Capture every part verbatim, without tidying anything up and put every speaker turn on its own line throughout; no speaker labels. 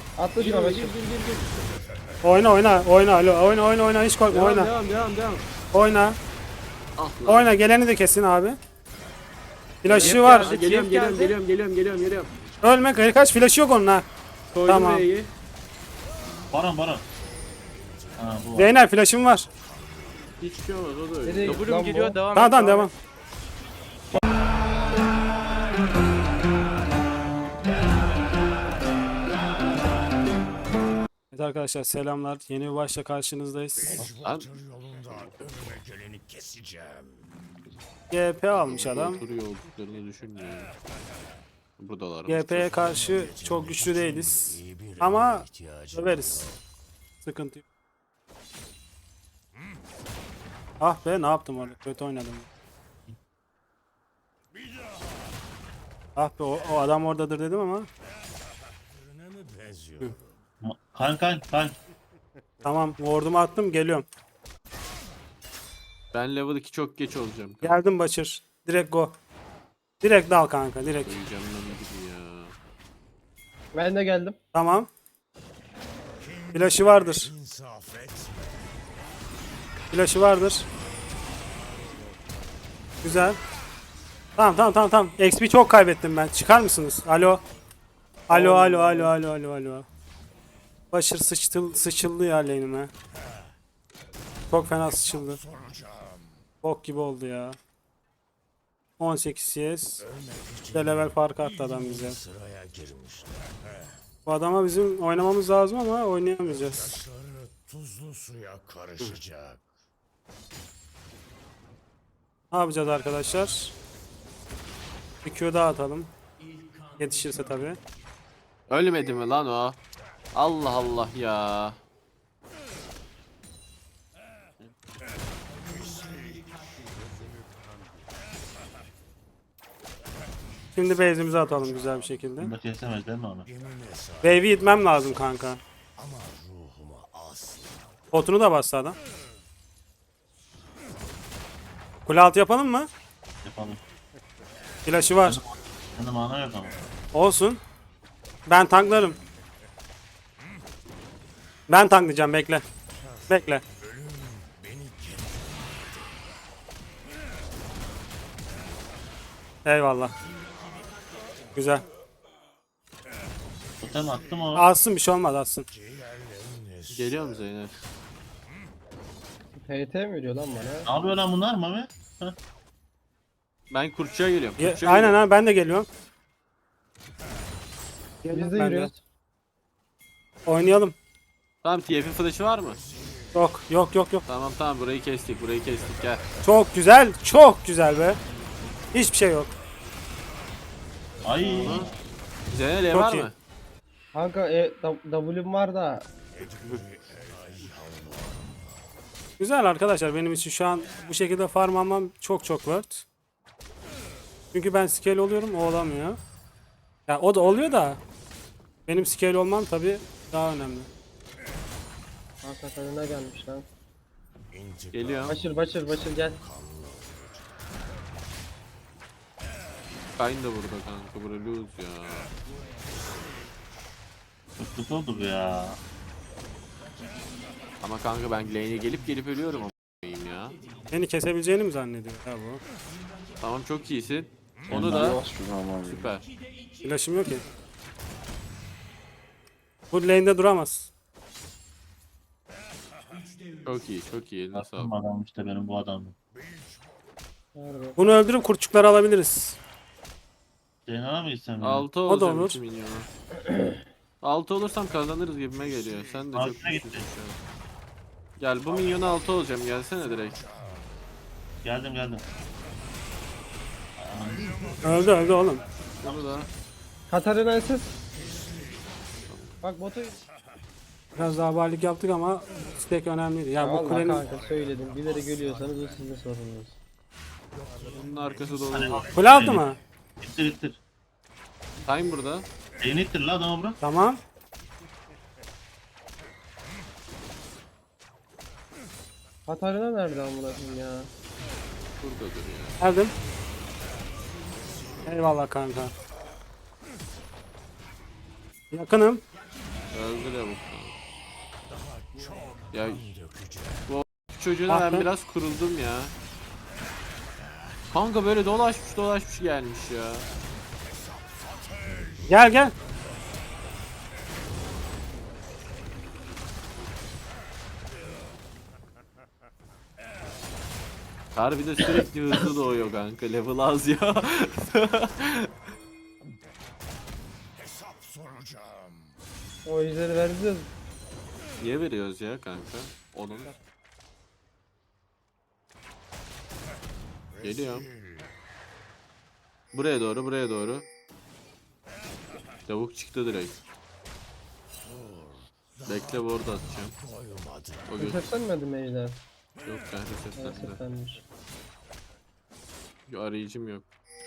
Atla
Gir
şuna
ona, gir
bakayım.
gir gir gir.
Oyna oyna oyna alo oyna oyna oyna hiç korkma
Devam
oyna.
devam devam devam.
Oyna.
Ah lan.
Oyna geleni de kesin abi. Flaşı
Hep
var.
geldi, Geliyorum
Hep
geliyorum
geldi.
geliyorum geliyorum geliyorum geliyorum.
Ölme kayı kaç flaşı yok onun ha.
Koydum
Tamam.
R'yi.
Baron Baron. Ha bu var.
Zeynel flaşım var.
Hiçbir şey olmaz o da öyle.
Nereye gitti
W'm
lan
geliyor
bu?
devam
Tamam
et.
tamam devam. Evet arkadaşlar selamlar. Yeni bir başla karşınızdayız.
Lan
yolunda önüme geleni keseceğim.
G P almış adam.
oturuyor olduklarını düşünmüyorum. Buradalar.
G P'ye karşı çok güçlü değiliz. Ama döveriz. Sıkıntı yok. Ah be ne yaptım orada? Kötü oynadım. Ah be o, o adam oradadır dedim ama.
Kan kan kan.
Tamam ward'umu attım geliyorum.
Ben level iki çok geç olacağım.
Geldim Başır. Direkt go. Direkt dal kanka direkt.
Öleceğim lan gibi ya.
Ben de geldim.
Tamam. Flash'ı vardır.
İnsaf et.
Flash'ı vardır. Güzel. Tamam tamam tamam tamam. X P çok kaybettim ben. Çıkar mısınız? Alo. Alo alo alo alo alo alo. Başır sıçtıl, sıçıldı ya lane'ime. Çok fena sıçıldı. Bok gibi oldu ya. on sekiz C S. Bir de level farkı attı adam bize.
Sıraya girmişler.
Bu adama bizim oynamamız lazım ama oynayamayacağız.
Sarı tuzlu suya karışacak.
Ne yapacağız arkadaşlar? Bir Q daha atalım. Yetişirse tabii.
Ölmedi mi lan o? Allah Allah ya.
Şimdi base'imizi atalım güzel bir şekilde.
Bunda kesemez değil mi onu?
Wave'i itmem lazım kanka. Potunu da bastı adam. Kule altı yapalım mı?
Yapalım.
Flash'ı var.
Bunda mana yok ama.
Olsun. Ben tanklarım. Ben tanklayacağım bekle. Bekle. Eyvallah. Güzel.
Totem attım o.
Alsın bir şey olmaz alsın.
Geliyor mu Zeynep?
T T mi veriyor lan bana?
Ne yapıyor lan bunlar mı abi?
Ben kurtçuya geliyorum.
Ye-
Kurtçuya
Aynen
geliyorum.
ha ben de geliyorum.
Biz de
Ben de.
yürüyoruz.
Oynayalım.
Tamam T F'in flash'ı var mı?
Yok yok yok yok.
Tamam tamam burayı kestik burayı kestik gel.
Çok güzel. Çok güzel be. Hiçbir şey yok.
Ay.
Zeynep E
Çok
var
iyi.
mı?
Kanka e, W'm var da.
Güzel arkadaşlar benim için şu an bu şekilde farm almam çok çok worth. Çünkü ben scale oluyorum o olamıyor. Ya o da oluyor da benim scale olmam tabi daha önemli.
Kanka kadına gelmiş lan.
Geliyorum.
Başır başır başır gel.
Kayn da burada kanka bura lose ya.
Çok kötü oldu bu ya.
Ama kanka ben lane'e gelip gelip ölüyorum ama ya.
Beni kesebileceğini mi zannediyor ya bu?
Tamam çok iyisin. Onu da süper.
Flash'ım yok ki. Bu lane'de duramaz.
Çok iyi çok iyi eline
Attım
sağlık.
adam işte benim bu adamım.
Nerede?
Bunu öldürüp kurtçukları alabiliriz.
Zeynep'e mi gitsem ya?
altı
O da
olacağım
olur.
iki milyona. altı olursam kazanırız gibime geliyor. Sen de çok
Altına
güçlüsün
gitti.
şu an. Gel bu milyona altı olacağım gelsene direkt.
Geldim geldim.
Öldü öldü oğlum.
Bunu da.
Katarina siz. Bak botu.
Biraz daha varlık yaptık ama stack önemliydi. Ya bu
Allah
kulenin
kanka söyledim. Bilerek ölüyorsanız o sizin sorununuz.
Bunun arkası dolu.
kule altı mı?
İttir ittir.
Time burada.
Elini ittir la adamı bırak.
Tamam.
Katarina nerede amına koyayım ya?
Buradadır ya.
Geldim. Eyvallah kanka. Yakınım.
Öldü de bu. Ya
Dökeceğim.
bu çocuğuna
Ah
ben
be.
biraz kuruldum ya. Kanka böyle dolaşmış dolaşmış gelmiş ya.
Gel gel.
Harbi de sürekli hızlı doğuyor kanka. Level az ya.
Hesap soracağım.
O ejderi vereceğiz.
Niye veriyoruz ya kanka? Onun. Geliyorum. Buraya doğru, buraya doğru. Tavuk çıktı direkt. Bekle ward atacağım.
Doymadım.
O göz
Resetlenmedi mi ejder?
yok kanka seslendi.
Resetlenmiş.
Arayıcım yok.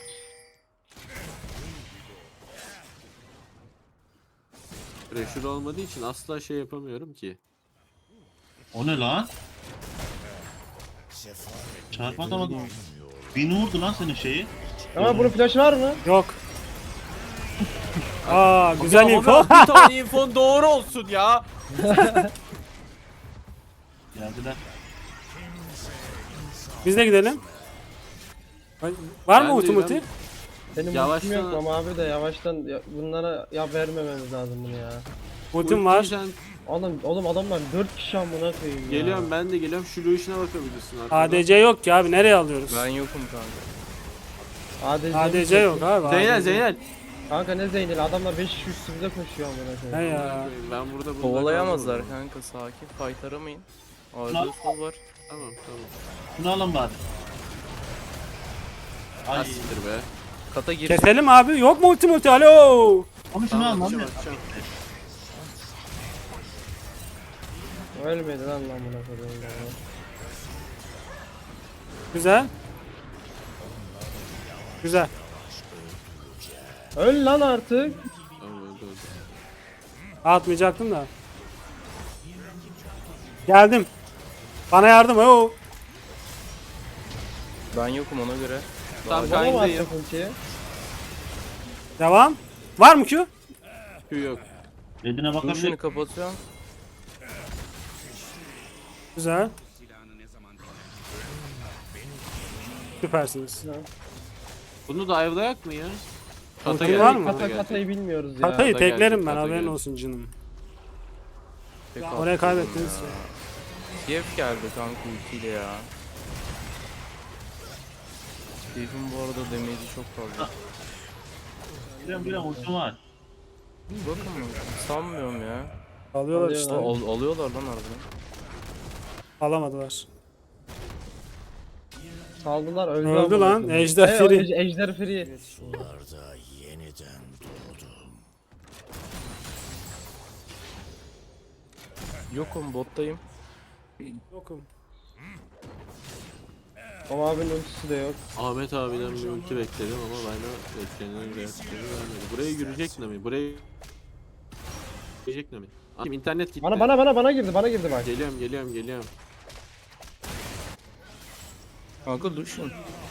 Pressure olmadığı için asla şey yapamıyorum ki.
O ne lan?
Sefaret
Çarpatamadım. Beni vurdu lan senin şeyi.
Ama bunun flash var mı?
Yok. Aa güzel
Ya
info.
Ömer, bir tane infon doğru olsun ya.
Geldiler.
Biz de gidelim. Var
Ben
mı
de-
ulti multi?
ben-
Benim
Yavaştan-
ultim yok ama abi de yavaştan ya, bunlara ya vermememiz lazım bunu ya.
Ultim var.
Sen
Oğlum, oğlum adamlar dört kişi amına koyayım ya.
geliyorum ben de geliyorum. Şu Lucian'a bakabilirsin arkadan.
A D C yok ki abi, nereye alıyoruz?
Ben yokum kanka.
A D C,
A D C yok abi.
Zeynel
A D C.
Zeynel.
Kanka ne Zeynel adamlar beş kişi üstümüze koşuyor amına
He
koyayım.
ya.
Ben burada burada
Kovalayamazlar
kaldım.
kanka, sakin. Fight aramayın. Arda
Lan.
sol var.
Tamam tamam.
Şunu alın bari. Ay.
Asittir be.
Kata gir.
Keselim abi. Yok mu ulti multi? Alo.
Ama şunu
Tamam,
al
atacağım,
lan.
atacağım.
Ölmedi lan lan amına koyayım ya.
Güzel. Güzel.
Öl lan artık.
Tamam öldü öldü.
Atmayacaktım da. Geldim. Bana yardım. Oo.
Ben yokum ona göre.
Tam
Bana mı
kayındayım.
atacak ultiyi?
Devam. Var mı Q?
Q yok.
Redine
Lucian'ı
bakabilir.
kapatıyorum.
Güzel. Süpersiniz.
Bunu da ayvlayak mı ya? Kata
Ulti
geldi,
var mı?
kata
Kata
geldi.
katayı bilmiyoruz ya.
Katayı
Kata
teklerim
geldi,
ben,
kata
haberin
geldi.
olsun canım.
Tek
Oraya
atladım
kaybettiniz.
ya. Kiev geldi kanka ultiyle ya. Steve'in bu arada damage'i çok fazla.
Geliyorum geliyorum ultim var.
Bakın mı? Sanmıyorum ya.
Alıyorlar
Alıyor
işte.
lan.
Al- alıyorlar lan harbiden.
Alamadılar.
Saldılar öldü.
Öldü
amına
lan,
koyayım.
ejder
Hey, o
free.
ej- Ejder free.
sularda yeniden doğdum.
Yokum, bottayım.
Yokum.
Ama abinin ultisi de yok.
Ahmet abiden bir ulti bekledim ama bana beklenen reaksiyonu vermedi. Buraya girecek mi? Buraya girecek mi? Abi internet gitti.
Bana bana bana bana girdi bana girdi bak.
Geliyorum geliyorum geliyorum.
Kanka Lucian.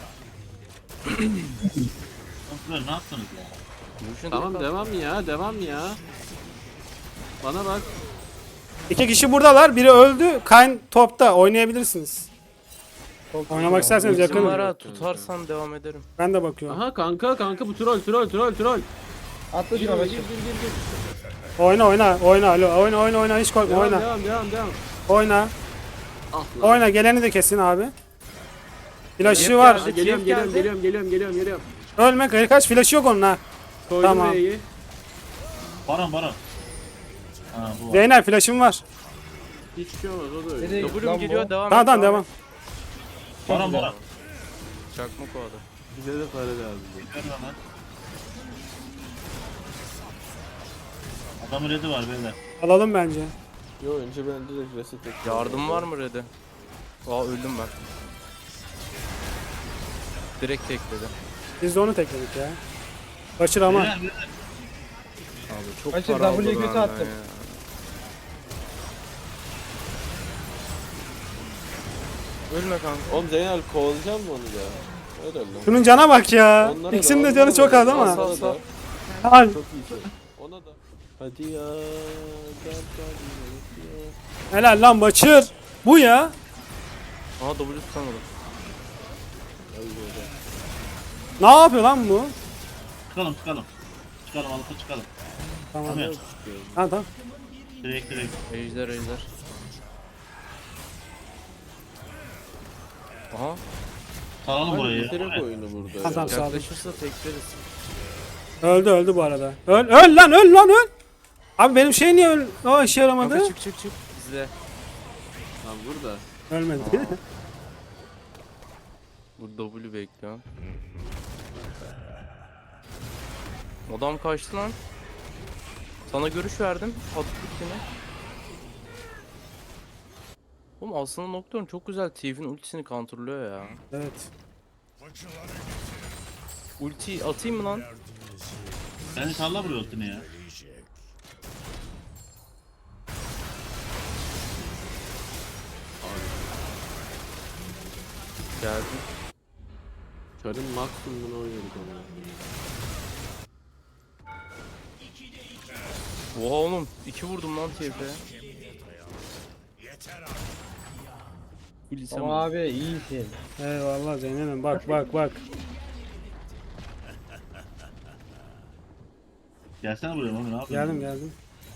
Kontrol ne yaptınız ya?
Lucian
Tamam
tek
devam ya devam ya. Bana bak.
İki kişi buradalar. Biri öldü. Kayn topta. Oynayabilirsiniz.
Çok
Oynamak isterseniz
attı.
yakın.
Var ha, tutarsan devam ederim.
Ben de bakıyorum.
Aha kanka kanka bu troll troll troll troll.
Atla
Gir
şuna
gir
bak.
gir gir gir.
Oyna oyna. Oyna. Alo. Oyna oyna oyna. Hiç korkma.
Devam
Oyna.
devam devam devam.
Oyna.
Ah lan.
Oyna. Geleni de kesin abi. Flash'ı
Geldi,
var.
Ha, geliyorum
Geldi.
geliyorum geliyorum geliyorum geliyorum geliyorum.
Ölme. Kaç flash'ı yok onun ha.
Koydum
Tamam.
R'yi.
Baron baron. Ha bu var.
Zeynel flash'ım var.
Hiçbir şey olmaz o da öyle.
Nereye gitti
W'm
lan
geliyor,
bu?
devam
Tamam
et.
tamam devam.
Baron baron.
Çakmak o adam.
Bize de para lazım.
Geliyorum hemen. Adamın redi var beyler.
Alalım bence.
Yo önce ben direkt reset ettim.
Yardım var mı Red'e? Aa öldüm ben. Direkt tekledi.
Biz de onu tekledik ya. Kaçır ama.
Beyler beyler.
Abi çok
Kaçır,
para aldı
W'yu kötü
benden
attım.
ya. Ölme kanka.
Oğlum Zeynel kovalayacak mı onu ya? Öyle öyle.
Şunun cana bak ya.
Onlara
İkisinin
da,
de canı
onlara
çok
da.
az ama.
Sağ, sağ.
Al.
Çok iyi. Ona da. Hadi ya. Gel hadi ya.
Helal lan Başır. Bu ya.
Aha W tutamadım.
Ne yapıyor lan bu?
Çıkalım çıkalım. Çıkalım alıp çıkalım.
Tamam.
Tamam.
Tamam tamam.
Direkt direkt.
Ejder ejder. Aha.
Salalım burayı ya.
Bitirek oyunu burada
Tamam,
ya.
tamam, sağ ol.
Yaklaşırsa tekleriz.
Öldü öldü bu arada. Öl öl lan öl lan öl. Abi benim şey niye öl? O işe yaramadı.
Kanka çık çık çık. İzle.
Lan burada.
Ölmedi.
Bu W bekliyorum. Adam kaçtı lan. Sana görüş verdim. Attık yine. Oğlum aslında Nocturne çok güzel Thief'in ultisini kontrolüyor ya.
Evet.
Ulti atayım mı lan?
Beni salla buraya ultini ya.
Geldim.
Çarın maksimumunu oynuyorduk ama.
Oha oğlum. iki vurdum lan Thief'e. Bilsem
Ama abi iyisin.
Eyvallah Zeynep'im bak bak bak.
Gelsene buraya Mami ne yapıyorsun?
Geldim geldim.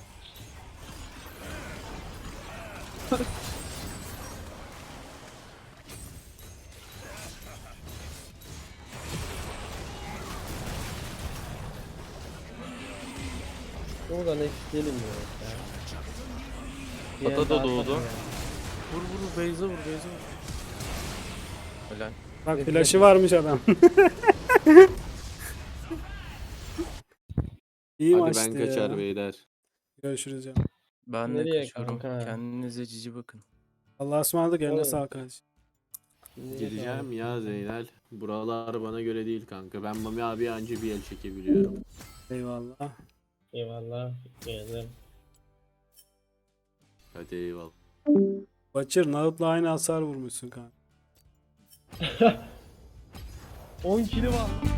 Oradan ekleyelim ya. Bir
Ata
yer
da
daha
doğdu.
atalım ya.
Vur vur Beyza vur Beyza vur. Helal.
Bak flash'ı varmış adam. İyi
Hadi
maçtı
ben kaçar
ya.
beyler.
Görüşürüz ya.
Ben de
Nereye
kaçıyorum.
kanka?
Kendinize cici bakın.
Allah'a ısmarladık eline
Oğlum.
sağlık kardeşim.
Gireceğim ya Zeynel. Buralar bana göre değil kanka. Ben Mami abi anca bir el çekebiliyorum.
Eyvallah.
Eyvallah. Geldim.
Hadi eyvallah.
Başır Nahut'la aynı hasar vurmuşsun kanka.
on kilo var.